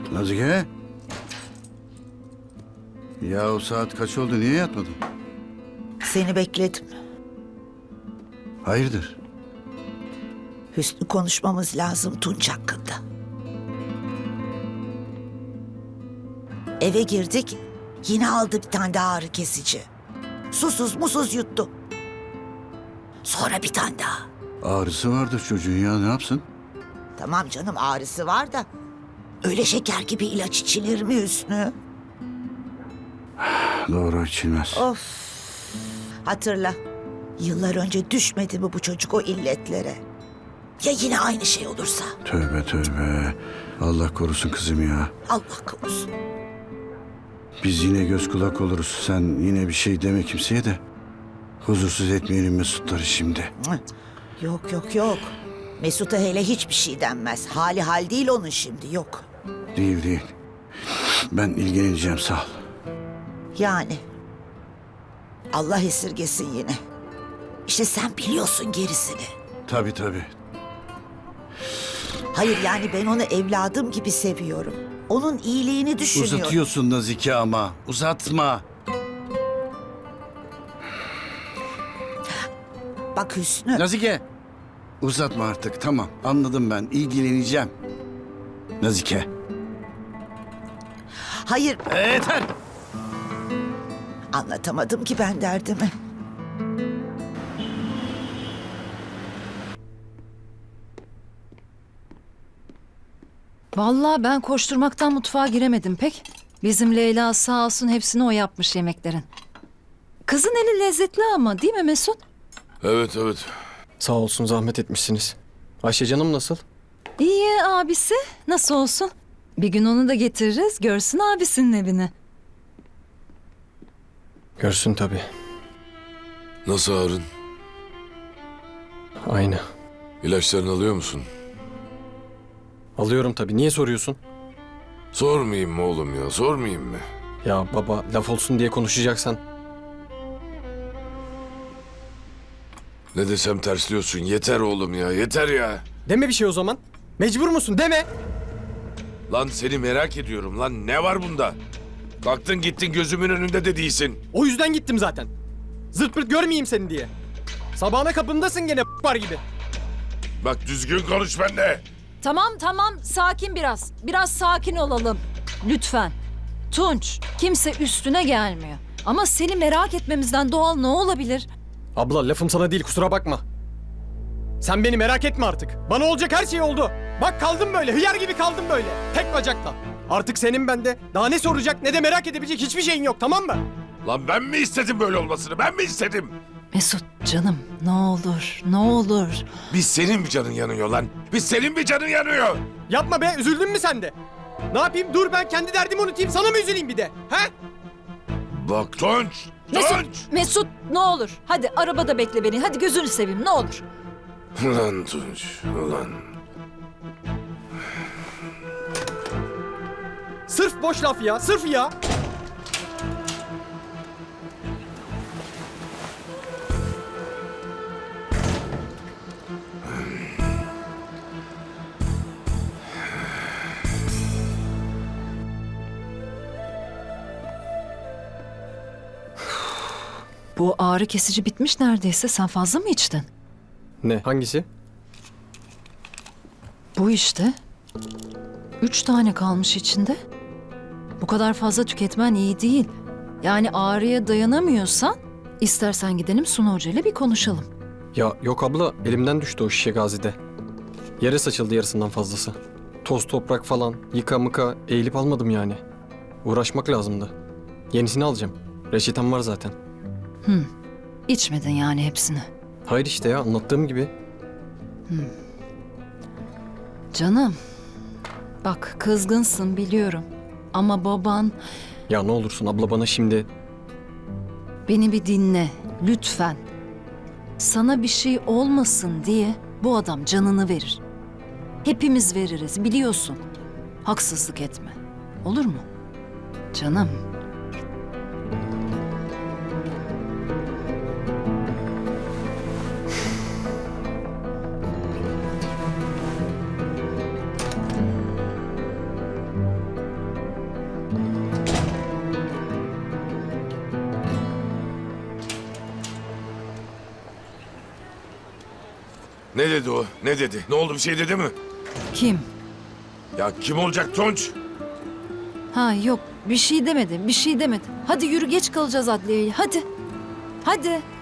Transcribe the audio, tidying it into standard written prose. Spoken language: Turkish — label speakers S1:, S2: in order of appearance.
S1: Nazike? Ya o saat kaç oldu? Niye yatmadın?
S2: Seni bekledim.
S1: Hayırdır?
S2: Hüsnü konuşmamız lazım Tunç hakkında. Eve girdik, yine aldı bir tane daha ağrı kesici. Susuz musuz yuttu. Sonra bir tane daha.
S1: Ağrısı vardır çocuğun ya, ne yapsın?
S2: Tamam canım, ağrısı var da öyle şeker gibi ilaç içilir mi Hüsnü?
S1: Doğru, içilmez.
S2: Of. Hatırla. Yıllar önce düşmedi mi bu çocuk o illetlere? Ya yine aynı şey olursa?
S1: Tövbe tövbe. Allah korusun kızım ya.
S2: Allah korusun.
S1: Biz yine göz kulak oluruz. Sen yine bir şey deme kimseye de. Huzursuz etmeyelim Mesutları şimdi.
S2: Yok yok yok. Mesut'a hele hiçbir şey denmez. Hali hal değil onun şimdi, yok.
S1: Değil değil. Ben ilgileneceğim, sağ ol.
S2: Yani. Allah esirgesin yine. İşte sen biliyorsun gerisini.
S1: Tabii tabii.
S2: Hayır yani ben onu evladım gibi seviyorum. Onun iyiliğini düşünüyorum.
S1: Uzatıyorsun Nazike ama. Uzatma.
S2: Bak Hüsnü.
S1: Nazike. Uzatma artık, tamam. Anladım ben. İlgileneceğim. Nazike.
S2: Hayır,
S1: Yeter.
S2: anlatamadım ki ben derdimi.
S3: Vallahi ben koşturmaktan mutfağa giremedim pek. Bizim Leyla sağ olsun hepsini o yapmış yemeklerin. Kızın eli lezzetli ama değil mi Mesut?
S4: Evet evet.
S5: Sağ olsun, zahmet etmişsiniz. Ayşe canım nasıl?
S3: İyi abisi. Nasıl olsun? Bir gün onu da getiririz. Görsün abisinin evini.
S5: Görsün tabii.
S4: Nasıl Harun?
S5: Aynı.
S4: İlaçlarını alıyor musun?
S5: Alıyorum tabii. Niye soruyorsun?
S4: Sormayayım mı oğlum ya? Sormayayım mı?
S5: Ya baba, laf olsun diye konuşacaksan.
S4: Ne desem tersliyorsun. Yeter oğlum ya. Yeter ya.
S5: Deme bir şey o zaman. Mecbur musun? Deme.
S4: Lan seni merak ediyorum lan. Ne var bunda? Kalktın gittin gözümün önünde de değilsin.
S5: O yüzden gittim zaten. Zırt pırt görmeyeyim seni diye. Sabahına kapındasın gene var gibi.
S4: Bak düzgün konuş benimle.
S3: Tamam sakin biraz. Biraz sakin olalım. Lütfen. Tunç, kimse üstüne gelmiyor. Ama seni merak etmemizden doğal ne olabilir?
S5: Abla lafım sana değil, kusura bakma. Sen beni merak etme artık. Bana olacak her şey oldu. Bak kaldım böyle, hıyar gibi kaldım böyle. Tek bacakla. Artık senin bende daha ne soracak ne de merak edebilecek hiçbir şeyin yok, tamam mı?
S4: Lan ben mi istedim böyle olmasını? Ben mi istedim?
S3: Mesut canım ne olur ne olur.
S4: Biz senin bir canın yanıyor lan. Biz senin bir canın yanıyor.
S5: Yapma be, üzüldün mü sen de? Ne yapayım, dur ben kendi derdimi unutayım, sana mı üzüleyim bir de? He?
S4: Bak Tunç.
S3: Mesut ne olur. Hadi arabada bekle beni. Hadi gözünü seveyim ne olur.
S4: Ulan Tunç. Ulan.
S5: Sırf boş laf ya, sırf ya.
S3: Bu ağrı kesici bitmiş neredeyse. Sen fazla mı içtin?
S5: Ne, hangisi?
S3: Bu işte. 3 tane kalmış içinde. Bu kadar fazla tüketmen iyi değil. Yani ağrıya dayanamıyorsan istersen gidelim Sunu Hoca ile bir konuşalım.
S5: Ya yok abla, elimden düştü o şişe Gazi'de. Yere saçıldı yarısından fazlası. Toz toprak falan, yıka mıka eğilip almadım yani. Uğraşmak lazımdı. Yenisini alacağım. Reçetem var zaten.
S3: İçmedin yani hepsini.
S5: Hayır işte ya, anlattığım gibi.
S3: Canım. Bak kızgınsın biliyorum. Ama baban
S5: Ya ne olursun abla, bana şimdi...
S3: beni bir dinle lütfen. Sana bir şey olmasın diye bu adam canını verir. Hepimiz veririz biliyorsun. Haksızlık etme. Olur mu? Canım.
S4: Ne dedi o? Ne dedi? Ne oldu, bir şey dedi mi?
S3: Kim?
S4: Ya kim olacak Tonç?
S3: Ha yok bir şey demedi, bir şey demedi. Hadi yürü geç kalacağız adliyeye. Hadi. Hadi.